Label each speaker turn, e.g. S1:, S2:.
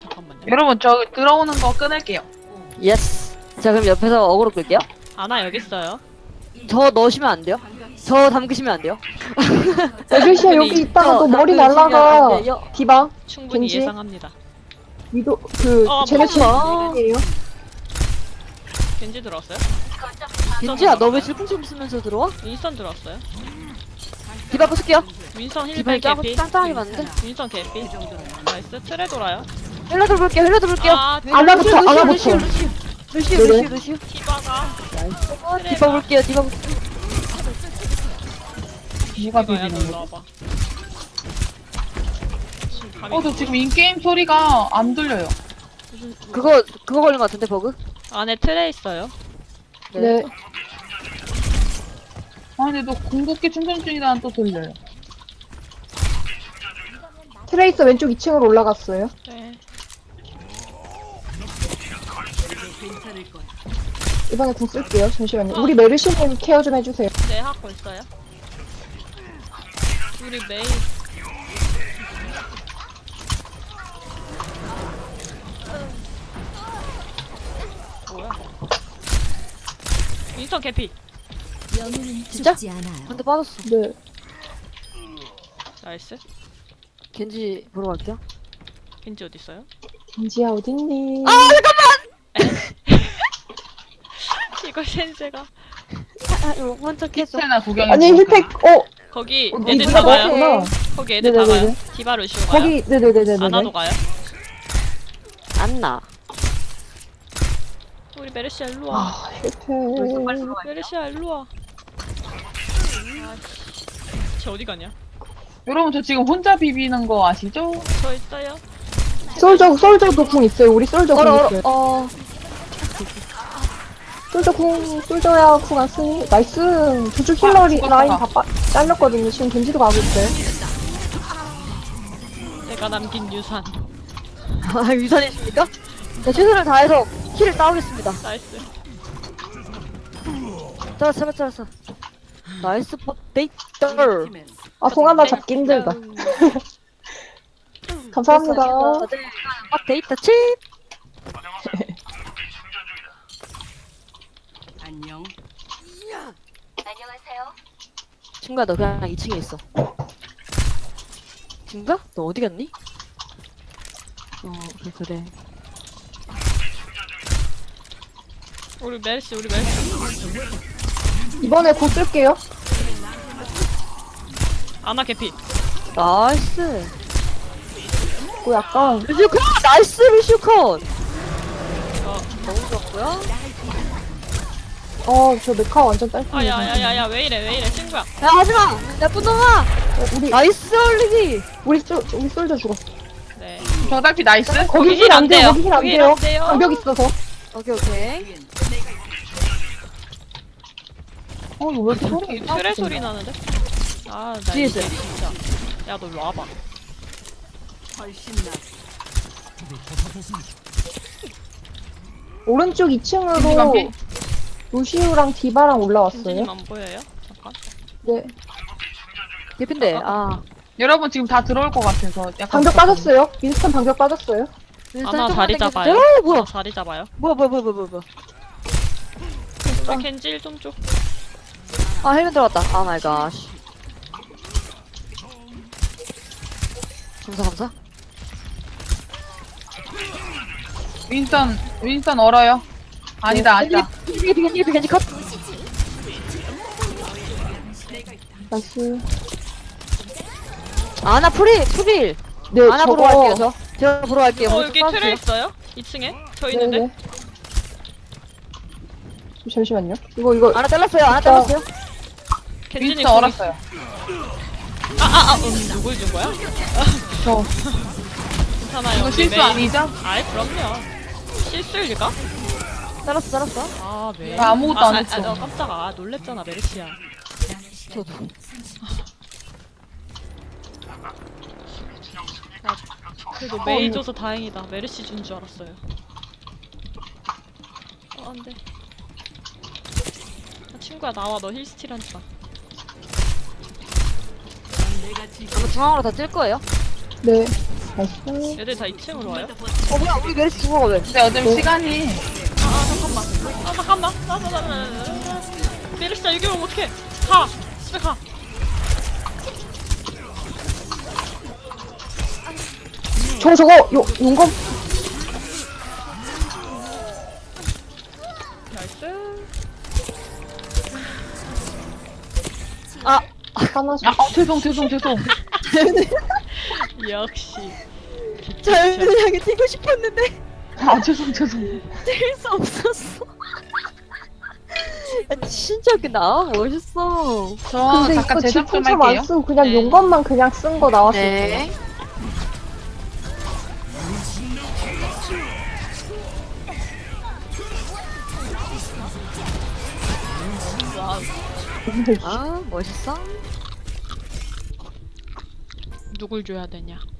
S1: 잠깐만요.
S2: 여러분 저 들어오는 거 끊을게요.
S3: 예스. 자, 그럼 옆에서 어그로 끌게요.
S1: 아나 여기 있어요.
S3: 저 넣으시면 안 돼요. 저 담그시면 안 돼요.
S4: 애교시야
S1: 충분히-
S4: 여기 있다가 너 머리
S3: 담그시면
S4: 날라가.
S3: 안 돼요.
S4: 디바
S1: 충분히
S4: 겐지?
S1: 예상합니다.
S4: 위도 그 쟤네
S3: 잠깐만.
S4: 팀이에요.
S1: 겐지 들어왔어요?
S3: 겐지야, 너 왜 질풍침 쓰면서 들어와?
S1: 윈선 들어왔어요?
S3: 디바 부술게요.
S1: 윈선
S3: 디바
S1: 힐백
S3: 짱
S1: 개피.
S3: 짱짱하게 봤는데.
S1: 윈선 개피. 나이스. 트레 돌아요.
S3: 힐러들 볼게요. 힐러들 볼게요.
S1: 아,
S4: 아나부터, 아나부터.
S3: 루시우.
S4: 네네.
S1: 디바가.
S3: 디바 볼게요. 디바 볼게요.
S2: 누가
S1: 디바야,
S2: 비비는
S1: 너
S2: 거지?
S1: 나와봐. 지금 감이
S2: 저 지금 인게임 소리가 안 들려요.
S3: 그거 걸린 것 같은데 버그?
S1: 안에 트레 있어요.
S4: 네.
S2: 아 근데 너 궁극기 충전 중이라는 또 들려요.
S4: 트레이서 왼쪽 2층으로 올라갔어요.
S1: 네.
S4: 이번에 궁 쓸게요. 잠시만요. 우리 메르시님 케어 좀 해주세요.
S1: 네, 하고 있어요. 우리 메이. 뭐야? 윈선 개피.
S3: 진짜?
S5: 죽지 않아요.
S3: 한대 빠졌어.
S4: 네.
S1: 나이스.
S3: 겐지 보러 갈게요.
S1: 겐지 어디 있어요?
S4: 겐지야 어딨니?
S1: 이거 센세가
S3: 이거 먼저 캐죠.
S2: 키스나 구경해.
S4: 아니 힐팩
S1: 거기
S4: 어,
S1: 애들
S4: 니가
S1: 다 가요.
S4: 먹었구나.
S1: 거기 애들
S4: 네네네네.
S1: 다 가요. 디바 루시오 가요.
S4: 거기 네네네네네.
S1: 아나도 가요.
S3: 안나.
S1: 우리 메르시아 일로 와.
S4: 아 힐팩.
S1: 메르시아 일로 와. 쟤 어디 가냐?
S2: 여러분 저 지금 혼자 비비는 거 아시죠?
S1: 저 있어요.
S4: 솔저도 궁 있어요. 우리 솔저 궁
S3: 얼어
S4: 있어요.
S3: 어.
S4: 솔저야 궁 안 쓰니? 나이스. 저쪽 힐러리
S2: 죽었다.
S4: 라인 다 잘렸거든요. 지금 겐지도 가고 있어요.
S1: 내가 남긴 유산.
S3: 아, 유산이십니까? 자, 최선을 다해서 킬을 따오겠습니다.
S1: 나이스.
S3: 잡았어. 나이스 데이터.
S4: 아 송 하나 잡기 힘들다. 감사합니다.
S3: 다들 데이터 칩. 친구야, 너 그냥 2층에 있어. 친구야? 너 어디 갔니? 그래.
S1: 우리 메르시.
S4: 이번에 곧 쓸게요.
S1: 아나 개피.
S3: 나이스.
S4: 그 약간
S3: 루시우컷! 나이스 루시우컷! 너무 좋았고요.
S4: 저 메카 완전 딸피.
S1: 아야야야야 왜 이래 친구야.
S3: 야, 하지마! 나쁜 놈아!
S4: 우리
S3: 나이스 올리기!
S4: 우리 솔저 죽었어.
S1: 네.
S2: 저 딸피 나이스?
S4: 거기 힐 안 돼요. 거기 힐 안
S1: 거기 힐
S4: 돼요.
S1: 안 돼요.
S4: 방벽 있어서.
S3: 오케이.
S2: 이거 왜 이렇게 소리가 이상하지?
S1: 트레 소리 나는데? 아, 나
S3: 뒤에
S1: 이제
S3: 있어요.
S1: 진짜. 야, 너 일로 와봐.
S4: 오른쪽
S2: 겐지
S4: 2층으로
S2: 반피?
S4: 루시우랑 디바랑 올라왔어요.
S1: 선생님 안 보여요? 잠깐.
S4: 네.
S3: 예쁜데,
S2: 여러분 지금 다 들어올 것 같아서 약간
S4: 방벽 빠졌어요. 윈스턴 방벽 빠졌어요.
S1: 아나 자리 잡아요.
S3: 뭐야?
S1: 아나 자리 잡아요.
S3: 뭐야.
S1: 우리 겐지 1좀 줘.
S3: 아, 헬멧 들어갔다. 아, 마이 갓. 감사.
S2: 윈스턴 얼어요. 아니다.
S3: 겐지 컷.
S4: 나이스.
S3: 아나 프릴.
S4: 네,
S3: 아나 보러 갈게요, 저. 제가 보러 갈게요.
S1: 여기 트레 있어요? 2층에? 저 있는데?
S4: 네네. 잠시만요. 이거
S3: 아나 잘랐어요.
S1: 겐지님
S2: 윈스턴 얼었어요.
S1: 누굴 준 거야?
S2: 저
S1: 괜찮아요.
S2: 이거
S1: 우리
S2: 실수
S1: 메이.
S2: 아니죠?
S1: 아이, 그럼요. 실수일까?
S3: 잘랐어.
S1: 아, 왜?
S2: 나 아무것도 안 했어.
S1: 깜짝아. 놀랬잖아, 메르시아.
S3: 저도.
S1: 그래도 메이 줘서 다행이다. 메르시 준 줄 알았어요. 안 돼. 친구야, 나와. 너 힐스틸 한다.
S3: 아마 중앙으로 다 찔 거예요.
S4: 네. 나이스.
S1: 얘들 다 2층으로 와요?
S3: 뭐야 우리 메르시 죽어거든.
S2: 근데 어차피 시간이
S1: 잠깐만. 메르시자 여기 오면 어떡해? 가! 집에 가!
S4: 저거, 용검?
S1: 나이스.
S4: 하나씩.
S2: 죄송.
S1: 역시.
S3: 자연스하게 뛰고 싶었는데
S2: 죄송.
S3: 뛸 수 없었어. 진짜 웃긴다. 멋있어.
S2: 저
S4: 근데
S2: 잠깐
S4: 이거
S2: 제작 좀
S4: 질풍참
S2: 할게요.
S4: 안 쓰고 그냥
S1: 네.
S4: 용검만 그냥 쓴 거 나왔을 때.
S3: 아 멋있어.
S1: 누굴 줘야 되냐?